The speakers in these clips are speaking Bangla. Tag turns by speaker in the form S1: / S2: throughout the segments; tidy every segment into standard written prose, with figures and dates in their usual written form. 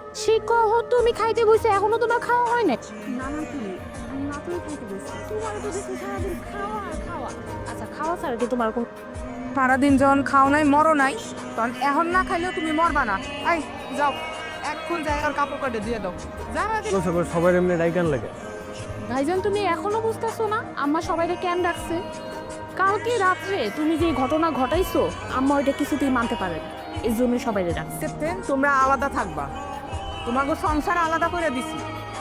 S1: সে কহ তুমি খাইতে বসে এখনো তোমার খাওয়া হয় না?
S2: না না তুমি আমি মাত্রই খাইতে বসছি।
S1: তোমার তো দেখছি সারাদিন খাওয়া আর খাওয়া। আচ্ছা খাওয়া ছাড়া কি তোমার কোনো
S2: সারাদিন যখন খাও নাই মরো নাই, তখন এখন না খাইলেও তুমি মরবা না। এই যাও, এখন যাই আর কাপড় কাটে দিয়ে দাও। যা
S3: সবাই এমনি ডাইকান লাগে।
S1: ভাইজান তুমি এখনো বুঝতেছো না আম্মা সবাইকে কেন ডাকছে? কালকে রাত্রে তুমি যে ঘটনা ঘটাইছো আম্মা ওইটা কিছুতেই মানতে পারে না, এই জন্য সবাইকে ডাকছে।
S2: ক্যাপ্টেন তোমরা আলাদা থাকবা, তোমাকে সংসার আলাদা করে দিছি।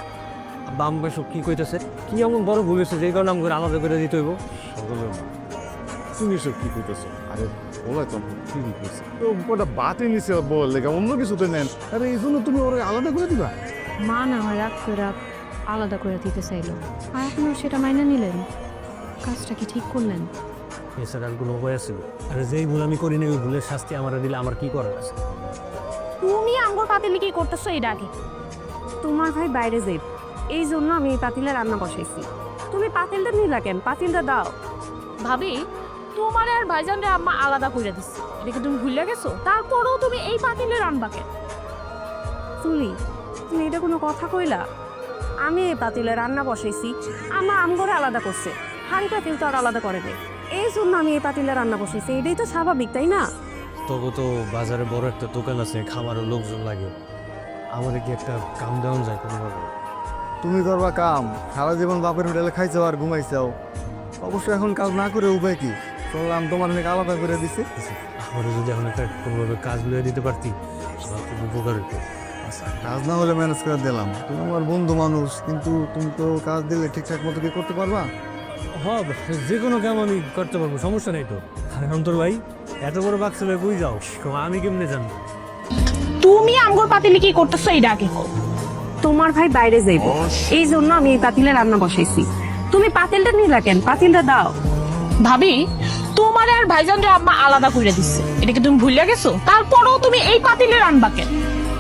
S3: বাম্বে সব কি কইতেছে? কি এমন বড় ভুল হয়েছে যে কারণে আমাকে আলাদা করে দিতে হইব?
S4: সকলের মা, তুমি সব কি কইতেছো? আরে বলাই তো ঠিকই কইছে। তো ওটা বাতি নিছে বল লেগে অন্য কিছুতে নেন। আরে এই জন্য তুমি ওরা আলাদা করে দিবা?
S1: মা না হয় রাগ করে আলাদা করে দিতে চাইলো, আর আপনিও সেটা মাইনে নিলেন। কাজটা কি ঠিক করলেন?
S3: এছাড়া আর কোনো উপায় আছে? আরে যেই ভুল আমি করি না ওই ভুলের শাস্তি আমার দিলে আমার কি করার আছে?
S1: তুমি আঙ্গুর পাতিলে কি করতেছো এই ডাকে?
S2: তোমার ভাই বাইরে যাই, এই জন্য আমি এই পাতিলে রান্না বসাইছি। তুমি পাতিলটা নিলা কেন? পাতিলটা দাও।
S1: ভাবি তোমার আর ভাইজানরে আম্মা আলাদা করে দিচ্ছে, এটা কি তুমি ভুলে গেছো? তারপরেও তুমি এই পাতিলে রান্না কেন?
S2: চুলি, তুমি এটা কোনো কথা কইলা? আমি এই পাতিলে রান্না বসাইছি, আমার আমগরে আলাদা করছে, হাঁড়ি পাতিল তো আর আলাদা করে নেই। এই জন্য আমি এই পাতিলে রান্না বসাইছি, এটাই তো স্বাভাবিক, তাই না?
S3: তবু তো বাজারে বড় একটা দোকান আছে, খামারের লোকজন লাগে, আমার কি একটা কাম দেওয়া যায় কোনোভাবে?
S4: তুমি করবা কাম, সারা জীবন বাপের হোটেলে খাইছো আর ঘুমাইছাও। অবশ্য এখন কাজ না করে উপায় কি? শুনলাম তোমার অনেক আলাদা করে দিছে।
S3: আমার যদি এখন একটা কোনোভাবে কাজ লইয়া দিতে পারতি আমার খুব উপকার হতো।
S4: আচ্ছা, কাজ না হলে ম্যানেজ করে দিলাম। তুমি আমার বন্ধু মানুষ, কিন্তু তুমি তো কাজ দিলে ঠিকঠাক মতো কি করতে পারবা?
S3: হ্যাঁ, যে কোনো কাম আমি করতে পারবো, সমস্যা নেই তো। আরে অন্তর ভাই, এত বড় বাক্স লয়ে কই যাও? আমি কেমনে জানবো?
S1: তুমি আঙ্গুর পাতিলে কি করতেছো এই ডাকে?
S2: তোমার ভাই বাইরে যাইব, এই জন্য আমি এই পাতিলে রান্না বসাইছি। তুমি পাতিলটা নিলা কেন? পাতিলটা দাও।
S1: ভাবি তোমার আর ভাইজানরে আম্মা আলাদা করে দিচ্ছে, এটা কি তুমি ভুলে গেছো? তারপরেও তুমি এই পাতিলে রান্না কেন?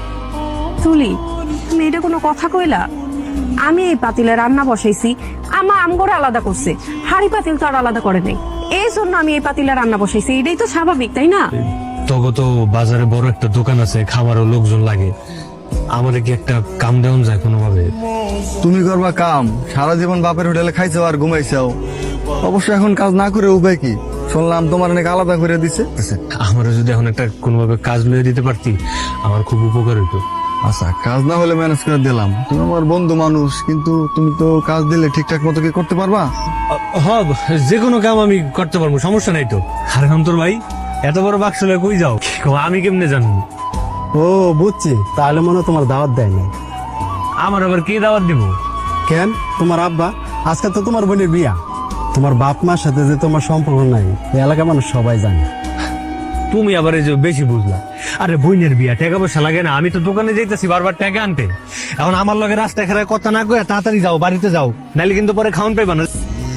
S2: চুলি, তুমি এটা কোনো কথা কইলা? আমি এই পাতিলে রান্না বসাইছি, আমার আমগরে আলাদা করছে, হাঁড়ি পাতিল তো আর আলাদা করে নেই। এই জন্য আমি এই পাতিলে রান্না বসাইছি, এটাই তো স্বাভাবিক, তাই না?
S3: তবে তো বাজারে বড় একটা দোকান আছে, খামারও লোকজন লাগে, আমার কি একটা কাম দেওয়া যায় কোনোভাবে?
S4: তুমি করবা কাম, সারা জীবন বাপের হোটেলে খাইছো আর ঘুমাইছাও। অবশ্য এখন কাজ না করে উপায় কি? শুনলাম তোমার অনেক আলাদা করে দিছে।
S3: আমার যদি এখন একটা কোনোভাবে কাজ লইয়া দিতে পারতি আমার খুব উপকার হতো।
S4: আচ্ছা, কাজ না হলে ম্যানেজ করে দিলাম। তুমি আমার বন্ধু মানুষ, কিন্তু তুমি তো কাজ দিলে ঠিকঠাক মতো কি করতে পারবা?
S3: হ্যাঁ, যে কোনো কাম আমি করতে পারবো, সমস্যা নাই তো। আরে অন্তর ভাই, এত বড় বাক্স লয়ে কই যাও? আমি কেমনে জানবো?
S5: ও বুঝছি, তাহলে মনে হয় তোমার দাওয়াত দেয়নি।
S3: আমার আবার কে দাওয়াত দিব?
S5: কেন? তোমার আব্বা। আজকে তো তোমার বোনের বিয়া, তোমার বাপ মার সাথে যে তোমার সম্পর্ক নাই এই এলাকার মানুষ সবাই জানে।
S3: তুমি আবার এই যে বেশি বুঝলা। আরে বোনের বিয়া, টাকা পয়সা লাগে না? আমি তো দোকানে যাইতেছি বারবার টাকা আনতে। এখন আমার লগে রাস্তায় খেলায় কথা না কয়ে তাড়াতাড়ি যাও, বাড়িতে যাও, নাইলে কিন্তু পরে খাওয়ান পাইবা না।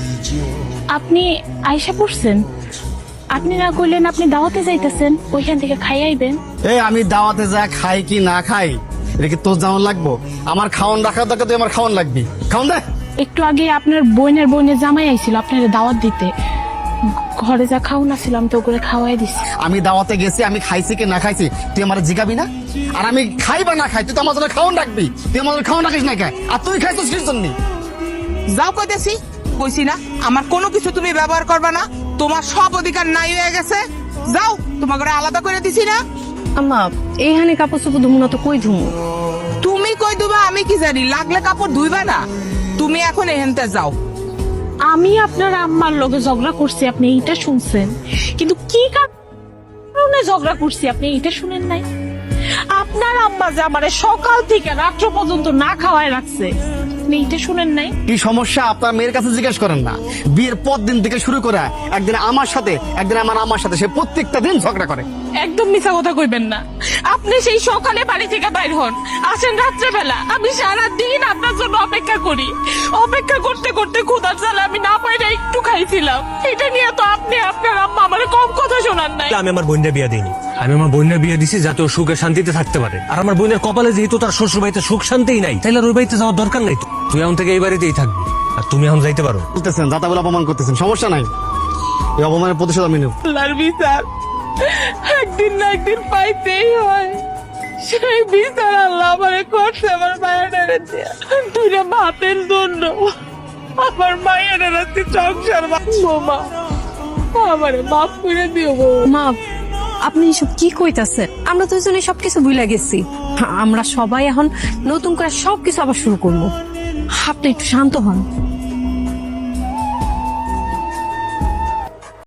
S1: আপনি আয়সা পড়ছেন, আপনি না কইলেন আপনি দাওয়াতে যাইতেছেন, ওইখান থেকে খাই আইবেন।
S5: এই আমি দাওয়াতে যা খাই কি না খাই এটা কি তোর যেমন লাগবো? আমার খাওয়ান রাখার দরকার, তুই আমার খাওয়ান লাগবি। খাওয়ান দে।
S1: একটু আগে আপনার বোনের জামাই আইছিল আপনার দাওয়াত দিতে, ঘরে যা খাওন আসছিল আমি তো করে খাওয়াই দিছি।
S5: আমি দাওয়াতে গেছি, আমি খাইছি কি না খাইছি তুই আমার জিগাবি না? আর আমি খাই বা না খাই তুই তো আমার জন্য খাওয়ান রাখবি। তুই আমার জন্য খাওয়ান রাখিস না খাই, আর তুই খাইছিস কির জন্য?
S6: যাও কইতেছি, কইছি না আমার কোনো কিছু তুমি ব্যবহার করবে না, তোমার সব অধিকার নাই হয়ে গেছে। যাও, তোমাকে আলাদা করে দিছি না।
S2: আম্মা, এইখানে কাপড় চোপড় ধুমু না তো কই ধুমু?
S6: তুমি কই দুবা আমি কি জানি, লাগলে কাপড় ধুইবা না। তুমি এখন এহেনতে যাও।
S1: আমি আপনার আম্মার লগে ঝগড়া করছি আপনি এইটা শুনছেন, কিন্তু কি কারণে ঝগড়া করছি আপনি এইটা শুনেন নাই? আপনার আম্মা যে আমারে সকাল থেকে রাত্র পর্যন্ত না খাওয়ায় রাখছে, আপনি এইটা শুনেন নাই?
S5: কি সমস্যা আপনার মেয়ের কাছে জিজ্ঞেস করেন না? বিয়ের পর দিন থেকে শুরু করে একদিন আমার সাথে একদিন আমার আম্মার সাথে সে প্রত্যেকটা দিন ঝগড়া করে।
S1: একদম মিছা কথা কইবেন না। আপনি সেই সকালে বাড়ি থেকে বাইর হন, আসেন রাত্রেবেলা, আমি সারা দিন আপনার জন্য অপেক্ষা করি। অপেক্ষা করতে করতে ক্ষুধার জ্বালা আমি না পাইলে একটু খাইছিলাম। এটা নিয়ে তো আপনি আপনার আম্মা আমার কম কথা শোনান নাই।
S3: আমি আমার বোনের বিয়া দিইনি, আমি আমার বোনের বিয়া দিছি যাতে ও সুখে শান্তিতে থাকতে পারে। আর আমার বোনের কপালে যেহেতু তার শ্বশুর বাড়িতে সুখ শান্তিই নাই, তাইলে আর ওই বাড়িতে যাওয়ার দরকার নাই তো। তুই এখন থেকে এই বাড়িতেই থাকবি, আর তুমি এখন যাইতে পারো।
S5: বলতেছেন দাদা বলে অপমান করতেছেন, সমস্যা নাই, এই অপমানের প্রতিশোধ আমি নেব।
S6: আল্লাহর বিচার একদিন না একদিন পাইতেই হয়।
S1: সেই বিচার আল্লাহ আমারে করছে আমার মায়ের দুইটা ভাতের জন্য। আমার মায়ের রাতে সংসার মা আমারে মাফ করে দিও গো।
S2: মা, আপনি এসব কি কইতাছেন? আমরা দুজনে সবকিছু ভুলে গেছি। আমরা সবাই এখন নতুন করে সবকিছু আবার শুরু করবো। আপনি একটু শান্ত হন।